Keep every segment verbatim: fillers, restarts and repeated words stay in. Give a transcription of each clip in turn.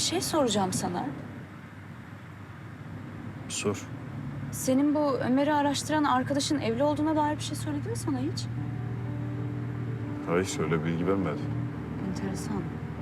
şey soracağım sana. Sor. Senin bu Ömer'i araştıran arkadaşın evli olduğuna dair bir şey söyledi mi sana hiç? Hayır, öyle bilgi vermedi. Enteresan.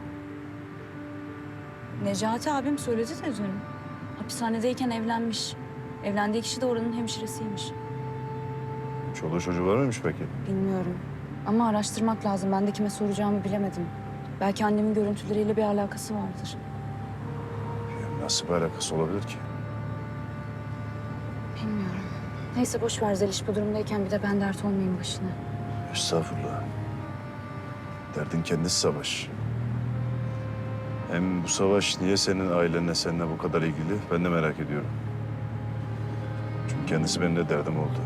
Necati abim söyledi de dün. Hapishanedeyken evlenmiş. Evlendiği kişi de oranın hemşiresiymiş. Çoluğu çocuğu var mıymış peki? Bilmiyorum. Ama araştırmak lazım. Ben de kime soracağımı bilemedim. Belki annemin görüntüleriyle bir alakası vardır. Ya nasıl bir alakası olabilir ki? Bilmiyorum. Neyse boş ver Zeliş, bu durumdayken bir de ben dert olmayayım başına. Estağfurullah. Derdin kendisi savaş. Hem bu savaş niye senin ailenle seninle bu kadar ilgili ben de merak ediyorum. Çünkü kendisi benim de derdim oldu.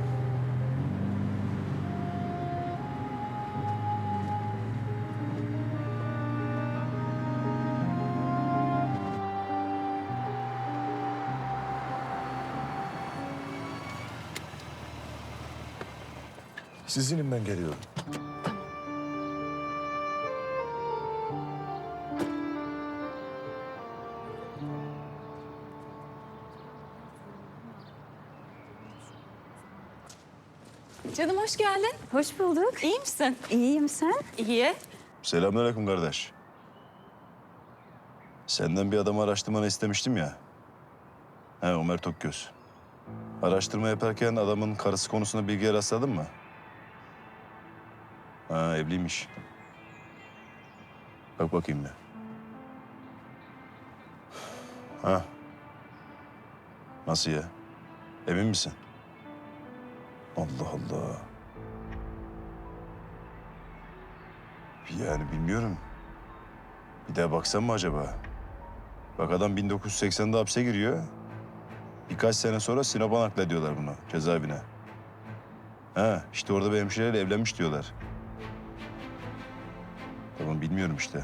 Sizinim, ben geliyorum. Canım hoş geldin. Hoş bulduk. İyi misin? İyiyim, sen? İyi. Selamünaleyküm kardeş. Senden bir adamı araştırmanı istemiştim ya. He, Ömer Tokgöz. Araştırma yaparken adamın karısı konusunda bilgiye rastladın mı? Ha, evliymiş. Bak bakayım bir. Ha. Nasıl ya? Emin misin? Allah Allah. Yani bilmiyorum. Bir daha baksan mı acaba? Bak adam bin dokuz yüz seksende hapse giriyor. Birkaç sene sonra Sinop'a naklediyorlar bunu, cezaevine. Ha, işte orada bir hemşireyle evlenmiş diyorlar. Tamam, bilmiyorum işte.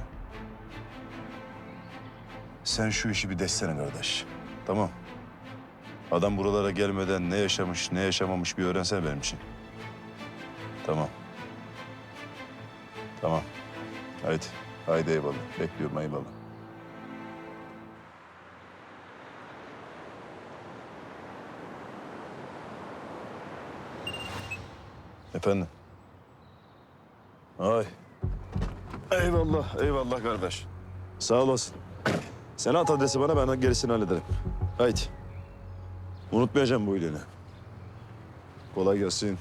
Sen şu işi bir destene kardeş. Tamam. Adam buralara gelmeden ne yaşamış, ne yaşamamış bir öğrensene benim için. Tamam. Tamam. Haydi. Haydi eyvallah. Bekliyorum, eyvallah. Efendim? Ay. Eyvallah, eyvallah kardeş. Sağ olasın. Sen at adresi bana, ben gerisini hallederim. Haydi. Unutmayacağım bu iyiliğini. Kolay gelsin.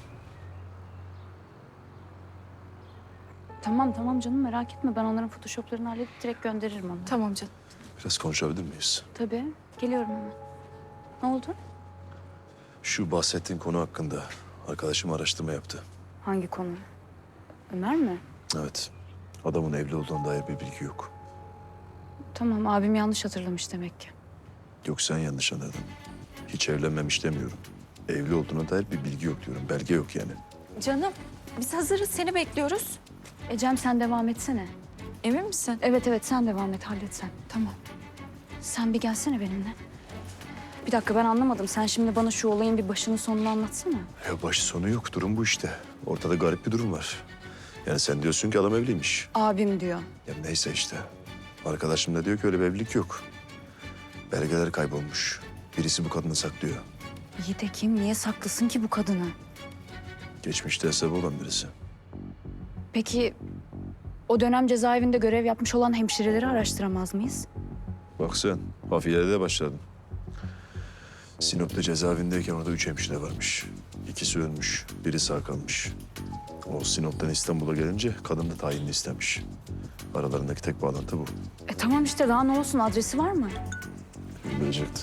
Tamam tamam canım, merak etme. Ben onların photoshoplarını halledip direkt gönderirim onu. Tamam canım. Biraz konuşabilir miyiz? Tabii. Geliyorum hemen. Ne oldu? Şu bahsettiğin konu hakkında arkadaşım araştırma yaptı. Hangi konu? Ömer mi? Evet. Adamın evli olduğuna dair bir bilgi yok. Tamam, abim yanlış hatırlamış demek ki. Yok, sen yanlış anladın. Hiç evlenmemiş demiyorum. Evli olduğuna dair bir bilgi yok diyorum. Belge yok yani. Canım biz hazırız, seni bekliyoruz. Ecem sen devam etsene. Emin misin? Evet evet, sen devam et, hallet sen. Tamam. Sen bir gelsene benimle. Bir dakika, ben anlamadım. Sen şimdi bana şu olayın bir başını sonunu anlatsana. Ya başı sonu yok. Durum bu işte. Ortada garip bir durum var. Yani sen diyorsun ki adam evliymiş. Abim diyor. Ya neyse işte. Arkadaşım da diyor ki öyle bir evlilik yok. Belgeler kaybolmuş. Birisi bu kadını saklıyor. İyi de kim, niye saklasın ki bu kadını? Geçmişte hesabı olan birisi. Peki o dönem cezaevinde görev yapmış olan hemşireleri araştıramaz mıyız? Bak sen, hafiyede başladın. Sinop'ta cezaevindeyken orada üç hemşire varmış. İkisi ölmüş, biri sağ kalmış. O Sinop'tan İstanbul'a gelince kadın da tayinli istemiş. Aralarındaki tek bağlantı bu. E tamam işte, daha ne olsun, adresi var mı? Bilecekti.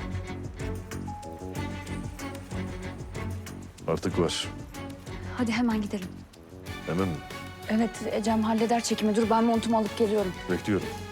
Artık var. Hadi hemen gidelim. Hemen mi? Evet, Ecem halleder çekimi. Dur, ben montumu alıp geliyorum. Bekliyorum.